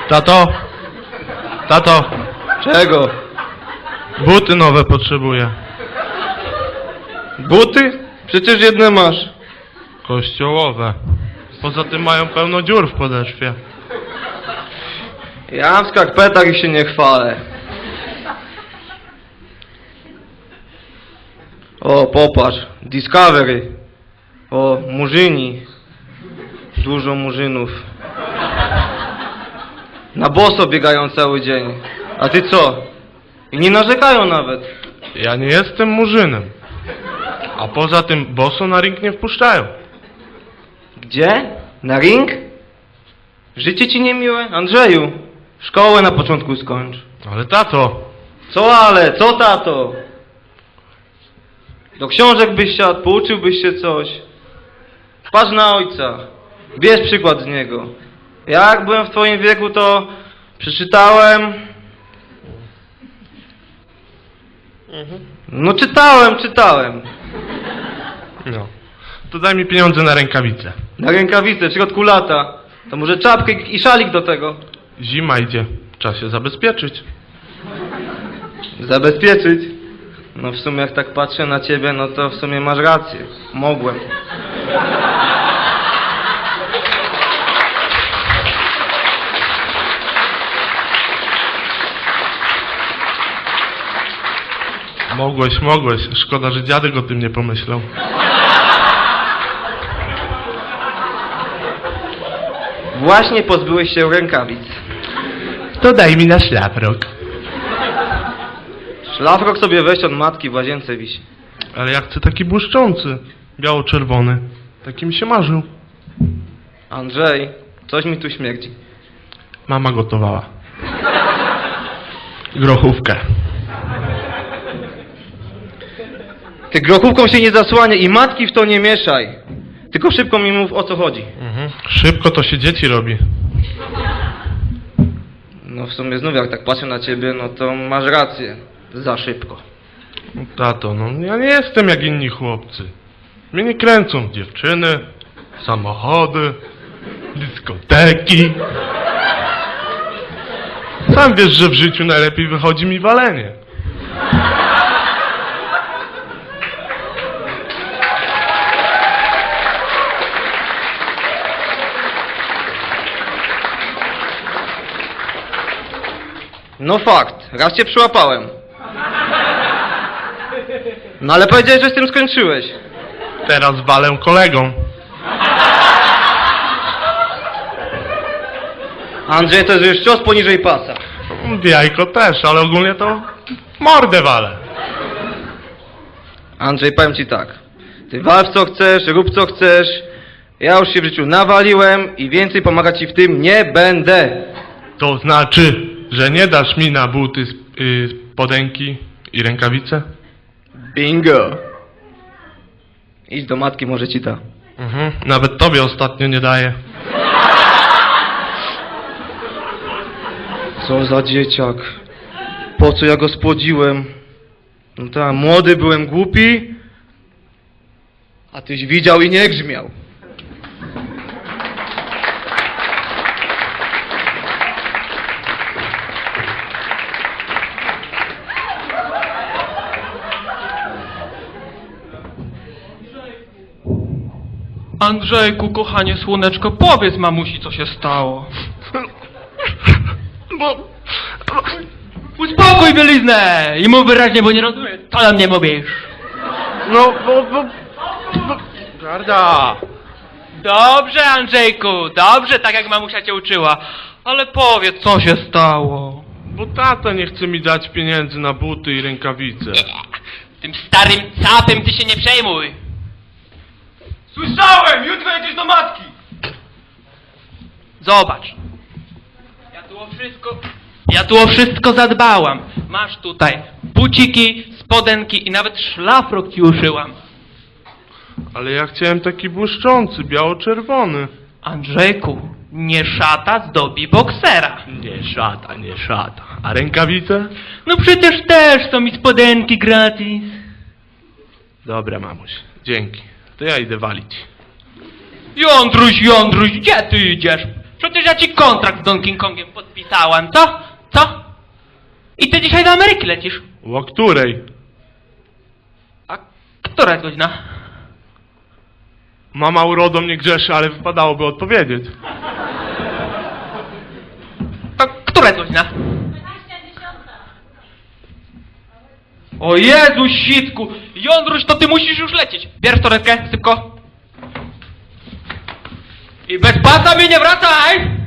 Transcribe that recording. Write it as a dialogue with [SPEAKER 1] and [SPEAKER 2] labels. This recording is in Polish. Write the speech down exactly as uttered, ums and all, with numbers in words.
[SPEAKER 1] Tato! Tato!
[SPEAKER 2] Czego?
[SPEAKER 1] Buty nowe potrzebuję.
[SPEAKER 2] Buty? Przecież jedne masz.
[SPEAKER 1] Kościołowe. Poza tym mają pełno dziur w podeszwie.
[SPEAKER 2] Ja w skarpetach i się nie chwalę. O, popatrz. Discovery. O, murzyni. Dużo murzynów. Na boso biegają cały dzień. A ty co? I nie narzekają nawet.
[SPEAKER 1] Ja nie jestem murzynem. A poza tym boso na ring nie wpuszczają.
[SPEAKER 2] Gdzie? Na ring? Życie ci niemiłe? Andrzeju, szkołę na początku skończ.
[SPEAKER 1] Ale tato!
[SPEAKER 2] Co ale? Co tato? Do książek byś siadł, pouczyłbyś się coś. Patrz na ojca. Bierz przykład z niego. Jak byłem w twoim wieku, to przeczytałem... No czytałem, czytałem.
[SPEAKER 1] No. To daj mi pieniądze na rękawice.
[SPEAKER 2] Na rękawice, w środku lata. To może czapkę i szalik do tego.
[SPEAKER 1] Zima idzie. Trzeba się zabezpieczyć.
[SPEAKER 2] Zabezpieczyć? No w sumie jak tak patrzę na ciebie, no to w sumie masz rację. Mogłem.
[SPEAKER 1] Mogłeś, mogłeś. Szkoda, że dziadek o tym nie pomyślał.
[SPEAKER 2] Właśnie pozbyłeś się rękawic.
[SPEAKER 1] To daj mi na szlafrok.
[SPEAKER 2] Szlafrok sobie weź od matki, w łazience wisi.
[SPEAKER 1] Ale ja chcę taki błyszczący. Biało-czerwony. Taki mi się marzył.
[SPEAKER 2] Andrzej, coś mi tu śmierdzi.
[SPEAKER 1] Mama gotowała. Grochówkę.
[SPEAKER 2] Ty grochówką się nie zasłania i matki w to nie mieszaj. Tylko szybko mi mów, o co chodzi.
[SPEAKER 1] Mhm. Szybko to się dzieci robi.
[SPEAKER 2] No w sumie znów jak tak patrzę na ciebie, no to masz rację. Za szybko.
[SPEAKER 1] Tato, no ja nie jestem jak inni chłopcy. Mnie nie kręcą dziewczyny, samochody, dyskoteki. Sam wiesz, że w życiu najlepiej wychodzi mi walenie.
[SPEAKER 2] No fakt, raz cię przyłapałem. No ale powiedziałeś, że z tym skończyłeś.
[SPEAKER 1] Teraz walę kolegą.
[SPEAKER 2] Andrzej, to jest już cios poniżej pasa.
[SPEAKER 1] Jajko też, ale ogólnie to mordę walę.
[SPEAKER 2] Andrzej, powiem ci tak. Ty wal w co chcesz, rób co chcesz. Ja już się w życiu nawaliłem i więcej pomagać ci w tym nie będę.
[SPEAKER 1] To znaczy, że nie dasz mi na buty yy, spodenki i rękawice?
[SPEAKER 2] Bingo. Idź do matki, może ci ta.
[SPEAKER 1] Mhm. Nawet tobie ostatnio nie daję.
[SPEAKER 2] Co za dzieciak. Po co ja go spłodziłem? No tak, młody byłem głupi, a tyś widział i nie grzmiał.
[SPEAKER 3] Andrzejku, kochanie słoneczko, powiedz mamusi, co się stało.
[SPEAKER 1] Bo...
[SPEAKER 3] Uspokój bieliznę i mów wyraźnie, bo nie rozumiem, co na mnie mówisz.
[SPEAKER 1] No, bo... bo... bo... Garda!
[SPEAKER 3] Dobrze, Andrzejku, dobrze, tak jak mamusia cię uczyła. Ale powiedz, co się stało.
[SPEAKER 1] Bo tata nie chce mi dać pieniędzy na buty i rękawice.
[SPEAKER 3] Tym starym capem ty się nie przejmuj.
[SPEAKER 2] Słyszałem! Jutro jedziesz do matki!
[SPEAKER 3] Zobacz. Ja tu o wszystko... Ja tu o wszystko zadbałam. Masz tutaj buciki, spodenki i nawet szlafrok ci uszyłam.
[SPEAKER 1] Ale ja chciałem taki błyszczący, biało-czerwony.
[SPEAKER 3] Andrzejku, nie szata zdobi boksera.
[SPEAKER 1] Nie szata, nie szata. A rękawice?
[SPEAKER 3] No przecież też są mi spodenki gratis.
[SPEAKER 1] Dobra, mamuś, dzięki. To ja idę walić.
[SPEAKER 3] Jądruś, Jądruś, gdzie ty idziesz? Przecież ja ci kontrakt z Donkey Kongiem podpisałam, co? Co? I ty dzisiaj do Ameryki lecisz.
[SPEAKER 1] O której?
[SPEAKER 3] A która jest godzina?
[SPEAKER 1] Mama urodą nie grzeszy, ale wypadałoby odpowiedzieć.
[SPEAKER 3] A która jest godzina? O Jezu, sitku! Jądruś, to ty musisz już lecieć. Bierz torebkę, szybko. I bez pasa mi nie wracaj!